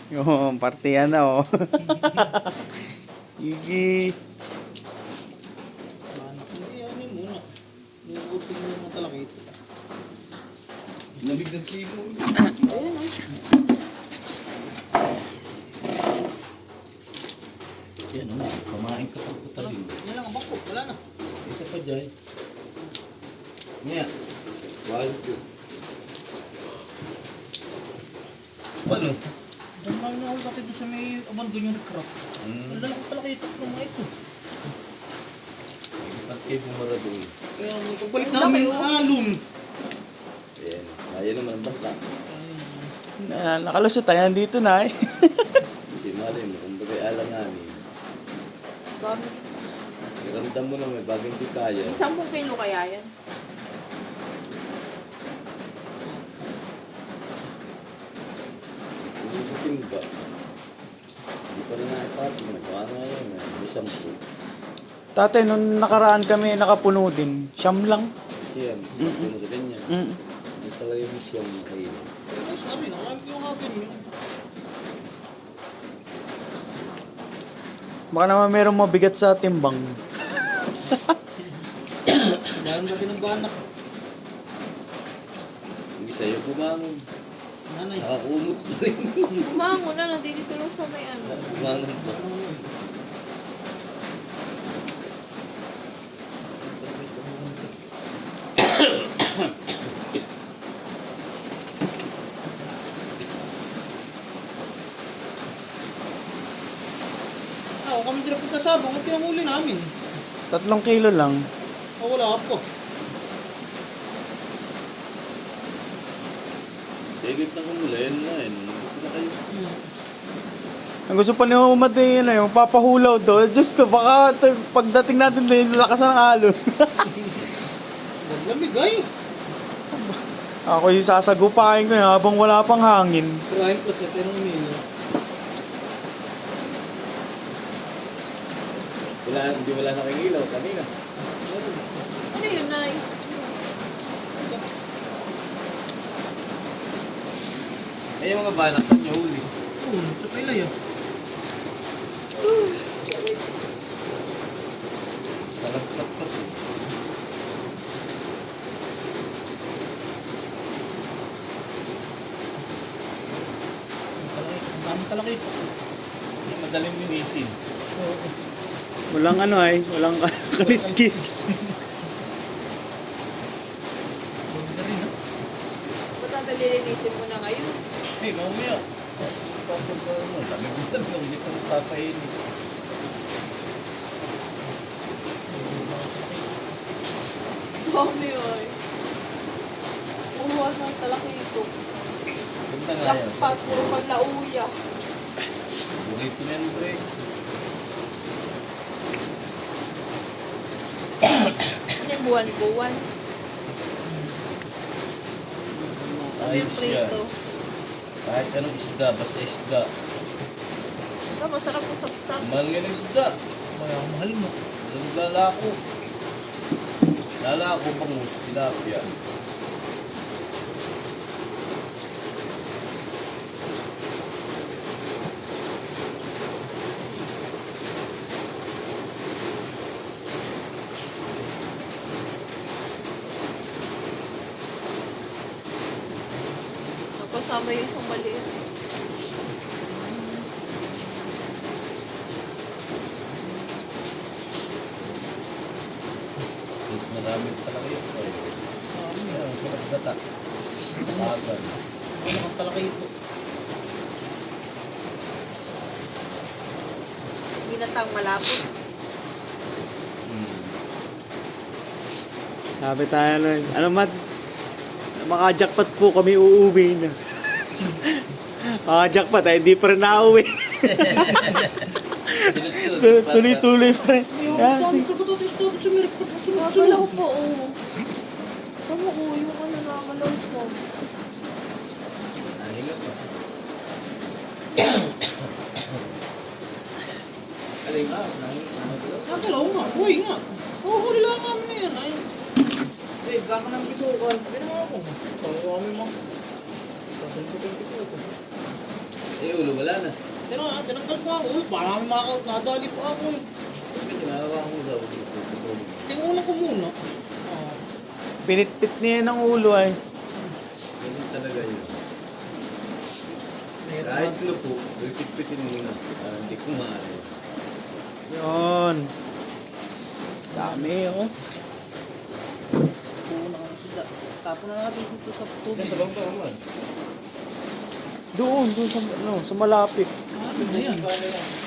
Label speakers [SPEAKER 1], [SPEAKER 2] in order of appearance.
[SPEAKER 1] Yung partiyan na oh. Sige.
[SPEAKER 2] Hindi, ano yun muna. Nilutin mo yung talaga ito.
[SPEAKER 3] Lamig ng sipon.
[SPEAKER 4] Ayun oh.
[SPEAKER 3] Yan o, kumain ka pang kutalin.
[SPEAKER 2] Yan lang ang bangko, wala na.
[SPEAKER 3] Isa pa dyan. Ngayon. Wild po. Ano?
[SPEAKER 2] Dahil na ako dati doon sa may abandon yung crop. Ang lalaki talaga ito ng mga ito.
[SPEAKER 3] Ba't kayo pumaradong?
[SPEAKER 2] Kaya pagbalik namin yung alon.
[SPEAKER 3] Ayan. Ayan naman ang bata.
[SPEAKER 1] Nakalusot tayo nandito na eh.
[SPEAKER 3] Hindi malay mo. Kung bagay alanganin.
[SPEAKER 4] Dami.
[SPEAKER 3] Ramdam mo na may bagay hindi kaya.
[SPEAKER 4] 10 kilo kaya yan?
[SPEAKER 3] Kung sa timba. Hindi pa na nakipatong. Nagpaano nga yun. Isang po.
[SPEAKER 1] Tatay, nung nakaraan kami nakapuno din. Siyam lang.
[SPEAKER 3] Siyam. Puno sa ganyan.
[SPEAKER 1] Mm.
[SPEAKER 3] Hindi talaga yung siyam na kayo.
[SPEAKER 2] Ay, sabi, nakarami yung akin yun.
[SPEAKER 1] Baka naman merong mabigat sa timbang.
[SPEAKER 2] Meron dati ng banak.
[SPEAKER 3] Hindi sa'yo bumangon.
[SPEAKER 2] Nanay.
[SPEAKER 3] Nakakumot pa rin.
[SPEAKER 4] Umango na, nandito lang sa may ano.
[SPEAKER 3] Bumangon pa.
[SPEAKER 2] Ako kami din napunta sa abang, ang pinamuli namin.
[SPEAKER 1] 3 kilo lang.
[SPEAKER 2] O wala po.
[SPEAKER 3] Sigit na kumula, yan na yun. Hindi na kayo.
[SPEAKER 1] Ang gusto pa ni Umad eh, yun, yung papahulaw doon. Diyos ko, baka pagdating natin doon, lakas ng alon.
[SPEAKER 2] Lamig ay.
[SPEAKER 1] Ako yung sasagupain ko yun habang wala pang hangin.
[SPEAKER 2] Sirahin pa sa tinong milo.
[SPEAKER 3] Hindi wala nakingilaw kanina.
[SPEAKER 4] Ano yun, Nay?
[SPEAKER 3] Ay, yung mga banak sa niyo huli.
[SPEAKER 2] Oo, sa pilay ah.
[SPEAKER 3] Salap-salap pa po.
[SPEAKER 2] Ang dami talaga ito.
[SPEAKER 3] Yung madaling linisin.
[SPEAKER 2] Oo.
[SPEAKER 1] Walang ano ay, walang kaliskis.
[SPEAKER 2] Ganda rin ah.
[SPEAKER 4] Ba't natalilinisin mo na ngayon?
[SPEAKER 3] Hey, mamaya. Tapos ano, dami yung hindi ko papainin.
[SPEAKER 4] Dami ay. Uwa ng talaki ito.
[SPEAKER 3] Ganda nga yun.
[SPEAKER 4] Lakpat, puro panlauya.
[SPEAKER 3] Burrito na yan, pre.
[SPEAKER 4] Ano yung buwan-buwan? Ano yung
[SPEAKER 3] Ayos yan.
[SPEAKER 4] prito?
[SPEAKER 3] Kahit anong isda, basta isda.
[SPEAKER 4] Ito, masarap po sapsap.
[SPEAKER 3] Mahal nga ng isda.
[SPEAKER 2] Mahal mo.
[SPEAKER 3] Lalako. Lalako bangus, tilapia.
[SPEAKER 4] Kasama yung isang maliit.
[SPEAKER 3] Mas marami talaga yun. Ay, sarap gata. Tagan.
[SPEAKER 2] Ano ang talaki ito?
[SPEAKER 4] Ginatang malapot.
[SPEAKER 1] Sabi tayo nun, ano Mat? Maka-jackpot po kami uuwi na. Maka-jackpot ay hindi pa rin nauwi. Tuloy-tuloy pa rin.
[SPEAKER 2] Yung
[SPEAKER 1] Ah,
[SPEAKER 2] saan
[SPEAKER 1] sige.
[SPEAKER 2] ito ko ito sa meron pa
[SPEAKER 4] Magalaw po, oh. Tama ko, yung ano nakagalaw po.
[SPEAKER 3] Ahilap pa.
[SPEAKER 2] Alay nga, nagalaw nga, buhay nga. Oo, huli lang namin na yan. Ay. Eh, gaka ng bitukan. Sabi naman ako. Tawa kami mo. Sabi ko.
[SPEAKER 3] Eh, ulo, wala na.
[SPEAKER 2] Tinanggal ko ako. Para kami nadali pa ako eh.
[SPEAKER 3] Sabi, tinagawa ko daw.
[SPEAKER 2] Tingunan ko muna.
[SPEAKER 1] Pinitpit niya ng ulo ay.
[SPEAKER 3] Ganun talaga yun. Kahit lupo, pipit-pitin muna. Para hindi kumain.
[SPEAKER 1] Yun. Dami oh.
[SPEAKER 2] Puno ka sila. Tapon na natin dito sa tubig.
[SPEAKER 3] Sa bangka naman.
[SPEAKER 1] Doon sa malapit.
[SPEAKER 2] Ano na yan?